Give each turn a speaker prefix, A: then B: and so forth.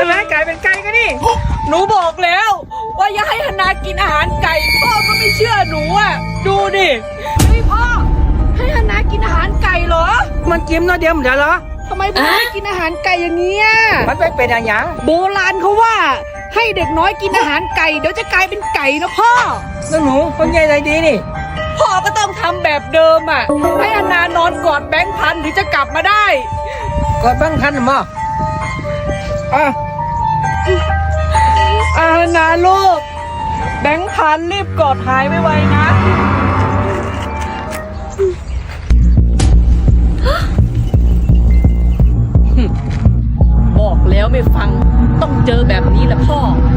A: ช่ไหมไก่เป็นไก่กันนี่หนูบอกแล้วว่าอย่าให้ฮานากินอาหารไก่พ่อก็ไม่เชื่อหนูอ่ะดูดิเฮ้ยพ่อให้ฮานากินอาหารไก่เหรอ
B: มันจิ้มน้อยเดียวมันเดี๋ยวเหรอ
A: ทำไมพ่อไม่กินอาหารไก่อย่างนี้อ่ะ
B: มันไปเป็นอะไรอย่าง
A: โบราณเขาว่าให้เด็กน้อยกินอาหารไก่เดี๋ยวจะกลายเป็นไก่นะพ่อ
B: แล้วหนูคนใหญ่ใจดีนี่
A: พ่อก็ต้องทำแบบเดิมอ่ะให้ฮานานอนกอดแบงค์พันถึงจะกลับมาได้
B: กดบ้างคันหรือมั้งอ่ะ
A: อานาลูกแบงค์พันรีบกอดหายไวๆนะ บอกแล้วไม่ฟังต้องเจอแบบนี้แหละพ่อ